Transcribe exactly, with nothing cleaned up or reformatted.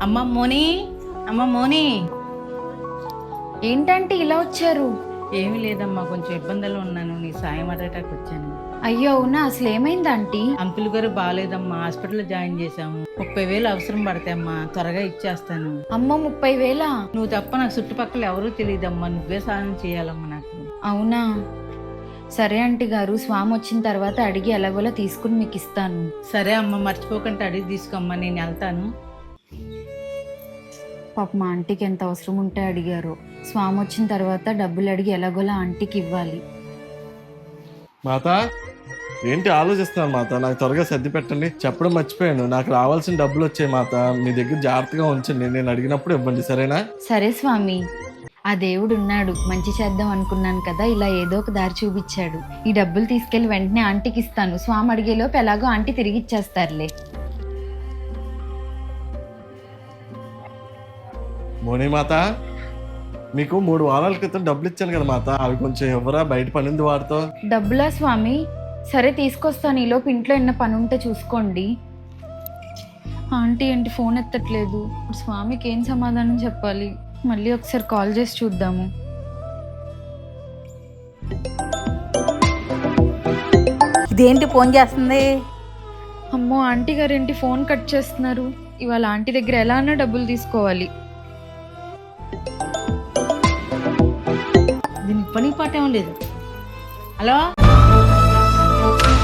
అమ్మ మోని, అమ్మ మోని. ఏంటంటే ఇలా వచ్చారు? ఏమీ లేదమ్మా, కొంచెం ఇబ్బందులు ఉన్నాను, నీ సాయం అడగటానికి వచ్చాను. అయ్యో అవునా, అసలు ఏమైంది ఆంటీ? అంకుల్ గారు బాగాలేదమ్మా, హాస్పిటల్లో జాయిన్ చేశాము. ముప్పై వేలు అవసరం పడతాయమ్మా, త్వరగా ఇచ్చేస్తాను. అమ్మో, ముప్పై వేలా? నువ్వు తప్ప నాకు చుట్టుపక్కల ఎవరూ తెలియదమ్మా, నువ్వే సాయం చేయాలమ్మా నాకు. అవునా, సరే ఆంటీ గారు, స్వామి వచ్చిన తర్వాత అడిగి ఎలాగోలా తీసుకుని మీకు ఇస్తాను. సరే అమ్మ, మర్చిపోకుండా అడిగి తీసుకోమ్మా, నేను వెళ్తాను. పాప మా ఆంటీకి ఎంత అవసరం ఉంటే అడిగారు. స్వామి వచ్చిన తర్వాత డబ్బులు అడిగి ఎలాగోలా ఆంటీకి ఇవ్వాలి. మాత ఏంటి ఆలోచిస్తున్నాను మాత, నాకు త్వరగా సర్ది పెట్టండి. చెప్పడం మర్చిపోయాను, నాకు రావాల్సిన డబ్బులు వచ్చాయి మాత, మీ దగ్గర జాగ్రత్తగా ఉంచండి, నేను అడిగినప్పుడు ఇవ్వండి సరేనా? సరే స్వామి, ఆ దేవుడు ఉన్నాడు, మంచి చేద్దాం అనుకున్నాను కదా, ఇలా ఏదో ఒక దారి చూపించాడు. ఈ డబ్బులు తీసుకెళ్లి వెంటనే ఆంటీకి ఇస్తాను. స్వామి అడిగేలోపు ఎలాగో ఆంటీ తిరిగి ఇచ్చేస్తారులే. మోని మాత, మీకు మూడు వారాల క్రితం డబ్బులు ఇచ్చాను కదా మాత, అవి కొంచెం ఎవరా, బయట పనింది వాడితో. డబ్బులా స్వామి? సరే తీసుకొస్తాను, ఈలోపు ఇంట్లో ఏమైనా పని ఉంటే చూసుకోండి. ఆంటీ ఏంటి ఫోన్ ఎత్తట్లేదు? ఇప్పుడు స్వామికి ఏం సమాధానం చెప్పాలి? మళ్ళీ ఒకసారి కాల్ చేసి చూద్దాము. ఇదేంటి ఫోన్ చేస్తుంది? అమ్మో, ఆంటీ గారు ఏంటి ఫోన్ కట్ చేస్తున్నారు? ఇవాళ ఆంటీ దగ్గర ఎలా అన్నా డబ్బులు తీసుకోవాలి. దీనికి పని పాట ఏం లేదు. హలో